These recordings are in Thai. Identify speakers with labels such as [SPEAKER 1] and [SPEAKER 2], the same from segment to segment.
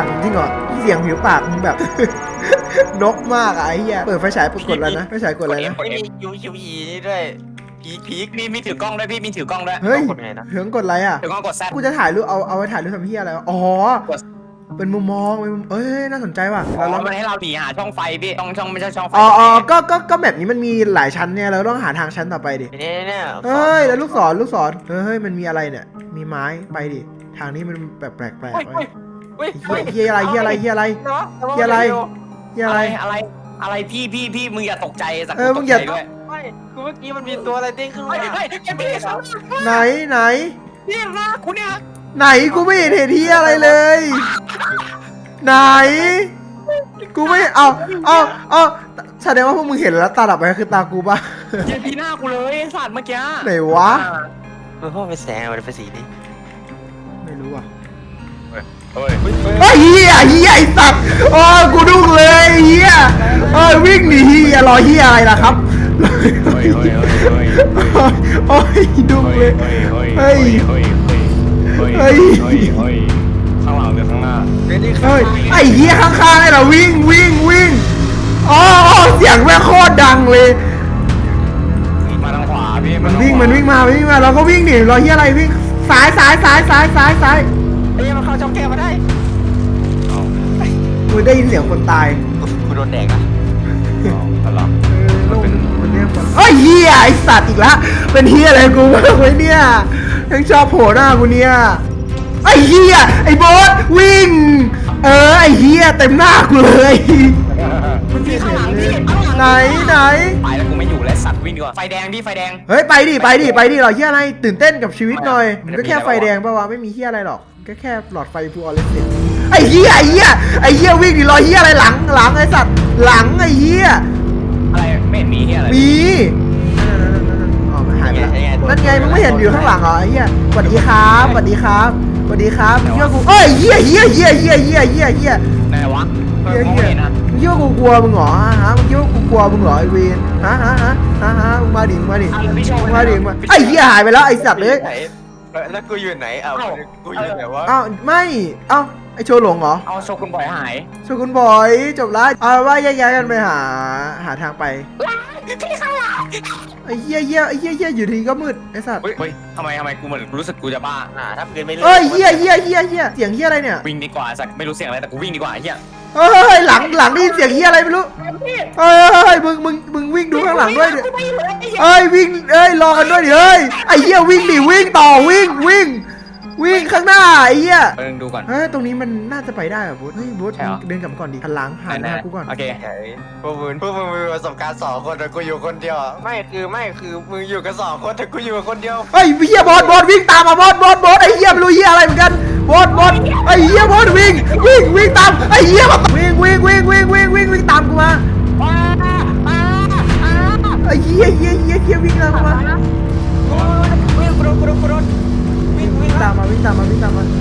[SPEAKER 1] ากจริงเหรอเสียงผิวปากมึงแบบ นกมากอะไอ้เหี้ยเปิดไฟฉายกดแล้วนะไฟฉายกดอะไรนะ
[SPEAKER 2] ไม่มีUQE นี่ด้วยพีค
[SPEAKER 3] มีถือกล้องด้วยพี่มีถือกล้องด้วย
[SPEAKER 1] เฮ้ย
[SPEAKER 2] กดไงนะ
[SPEAKER 1] เหิงกดอะไรอะ
[SPEAKER 3] ถือกล้องกดแซด
[SPEAKER 1] กูจะถ่ายรูปเอาไว้ถ่ายรูปทำเหี้ยอะไรวะอ๋อเป็นมุมมองเอ้ยน่าสนใจว่ะ
[SPEAKER 3] อ๋อมันให้เราหนีหาช่องไฟพี่ช่องไม่ใช่ช่องไฟ
[SPEAKER 1] อ๋อก็แบบนี้มันมีหลายชั้นเนี่ยเราต้องหาทางชั้นต่อไปดิ
[SPEAKER 2] เนี่ย
[SPEAKER 1] เฮ้ยแล้วลูกศรเฮ้ยมันมีอะไรเนี่ยมีไม้ไปดิทางนี้มันแบบแปลกๆเฮียอะไร
[SPEAKER 3] อะไรพี่มึงอย่าตกใจสัก
[SPEAKER 1] มึงอย่า
[SPEAKER 3] ด้วย
[SPEAKER 2] ไม่กูเมื่อกี้มันมีตัวอะไรเด้งขึ้นมา
[SPEAKER 3] เฮ้ยแกไม่ได้ครับ
[SPEAKER 1] ไหน
[SPEAKER 3] พี่นะคุณเนี่ย
[SPEAKER 1] ไหนกูไม่เห็นเฮียอะไรเลย ไหนกูไม่เอาแสดงว่าพวกมึงเห็นแล้วตาดับไปคือตากูปะ
[SPEAKER 3] เย็นพี่หน้ากูเลยสัตว์เมื่อกี้
[SPEAKER 1] ไหนวะ
[SPEAKER 2] มันพ่อเป็นแสงมันเป็นสีนี้
[SPEAKER 1] ไม่รู้อ่ะ
[SPEAKER 3] เฮ้ย
[SPEAKER 1] ไอ้เฮียไอ้สัตว์โอ้กูดุ้งเลยเฮียวิ่งหนีเฮียรอเฮียอะไรล่ะครับโอ้ยดุ้งเลยเฮ้ย
[SPEAKER 3] ข้างหลังหรือข้างหน้า
[SPEAKER 1] เฮ้ยไอ้เฮียข้างๆไอ้เราวิ่งอ๋อเสียงแม่โคตรดังเลย
[SPEAKER 3] มาทางขวาพี่
[SPEAKER 1] มันวิ่งมาเราก็วิ่งดิรอเฮียอะไรวิ่งซ้าย
[SPEAKER 2] ไอ้ยังมันเข้าช่องแก้วมาได้
[SPEAKER 1] กูได้ยินเสียงคนตาย
[SPEAKER 2] กูโดนแดกอ่ะ
[SPEAKER 3] อะไร
[SPEAKER 1] มันเรียกว่าเฮ้ยเฮียไอสัตว์อีกละเป็นเฮียอะไรกูไว้เนี่ยยังชอบโผล่หน้ากูเนี่ยไอ้เฮียไอ้โบ๊ทวิ่งไอ้เฮียเต็มหน้ากูเลย
[SPEAKER 3] มันพี่ข้างหลังพี่
[SPEAKER 1] ไหน
[SPEAKER 3] ไปแล้วกูไม่อยู่แล้วสัตว์วิ่งดีกว่าไฟแดงพี่ไฟแดง
[SPEAKER 1] เฮ้ยไปดิหรอเฮียอะไรตื่นเต้นกับชีวิตหน่อยมันก็แค่ไฟแดงป่าวะไม่มีเฮียอะไรหรอกก็แค่หลอดไฟฟูออเรสเซนต์ไอ้เฮียวิ่งดิรอเฮียอะไรหลังไอ้สัตว์หลังไอ้เฮีย
[SPEAKER 3] อะไรไม่เห็นมีที่อะไร
[SPEAKER 1] มีอ๋อมันหายไปแล้วนั่นไงมึงไม่เห็นอยู่ข้างหลังเหรอไอ้เฮียสวัสดีครับมึงเชื่อกูเอ้ยเฮีย
[SPEAKER 3] ไหนวะมองเห็นนะ
[SPEAKER 1] มึงคิดว่ากูกลัวมึงเหรอฮะมึงคิดว่ากูกลัวมึงเหรอไอเวนฮะมึงมาดิมาไอ้เหี้ยหายไปแล้วไอ้สัตว์เลย
[SPEAKER 2] แล้วกูอยู่ไหนกูอยู่ไหนวะ
[SPEAKER 1] อ้าวไม่ไอโชว์หลงเหรอ
[SPEAKER 3] เอาโชกุนบ่อยหาย
[SPEAKER 1] โชว์คุณบอยจบแล้วเอาว่าแยกย้ายกันไปหาทางไปไอ้เหี้ยอยู่ดีก็มืดไอ้สัตว์
[SPEAKER 3] เฮ้ยทำไมกูเหมือนรู้สึกกูจะบ้า
[SPEAKER 2] ถ้าเกินไม่เล่น
[SPEAKER 1] เอ้ยเหี้ยเสียงเหี้ยอะไรเนี่ย
[SPEAKER 3] วิ่งดีกว่าสักไม่รู้เสียงอะไรแต่กูวิ่งดีกว่าเฮีย
[SPEAKER 1] เฮ้ยหลังได้ยินเสียงเหี้ยอะไรไม่รู้เฮ้ยมึงวิ่งดูข้างหลังด้วยดิเอ้ยวิ่งรอกันด้วยดิเฮ้ยไอ้เหี้ยวิ่งดิวิ่งต่อวิ่งข้างหน้าไอ้เหี้ย
[SPEAKER 3] ดูก่อน
[SPEAKER 1] เฮ้ยตรงนี้มันน่าจะไปได้อะบุ๊ดเฮ้ยบุ๊ดเดินกลับมาก่อนดิหันหลังหันหน้ากูก่อน
[SPEAKER 3] โอเค
[SPEAKER 2] พวกมึงมีประสบการณ์2 คนแต่กูอยู่คนเดียวไม่คือมึงอยู่กัน2 คนแต่กูอยู่คนเดียว
[SPEAKER 1] เฮ้ยเหี้ยบอสวิ่งตามมาบอสไอ้เหี้ยไม่รู้เหี้ยอะไรเหมือนกันบอสไอ้เหี้ยบอสวิ่งตามไอ้เหี้ยมาวิ่งตามกูมาไอ้เหี้ยวิ่งตามกูมาวิ่งตามมา
[SPEAKER 3] ข้างหลัง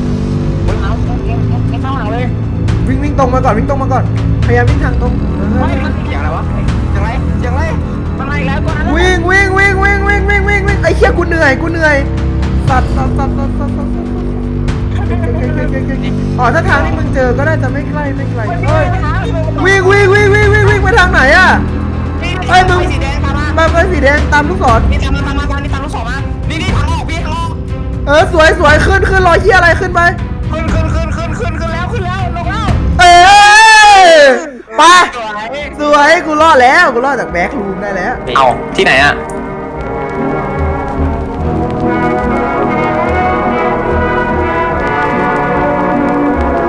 [SPEAKER 3] เลย
[SPEAKER 1] วิ่งตรงมาก่อนพยายามวิ่งทางตรง
[SPEAKER 3] อย่างไรวะ
[SPEAKER 2] อย่างไร
[SPEAKER 3] มันอะไรแล้วตัวนั้น
[SPEAKER 1] วิ่งไอ้เหี้ยกูเหนื่อยสัตว์อ๋อถ้าทางที่มึงเจอก็น่าจะไม่ไกลเฮ้ยวิ่งไปทางไหนอะเฮ้ยมึง
[SPEAKER 3] สีแดงตามมา
[SPEAKER 1] มาเป็นสีแดงตามลูกศร
[SPEAKER 3] นี่ตามลูกศรมานี่ทางออกพี่ทางออก
[SPEAKER 1] สวยขึ้นรอยเหี้ยอะไรขึ้นไป
[SPEAKER 3] ขึ้นแล้วลงแล้ว
[SPEAKER 1] ไปสวยกูรอดจากแบ็ครูมได้แล้ว
[SPEAKER 3] เอาที่ไหนอ่ะ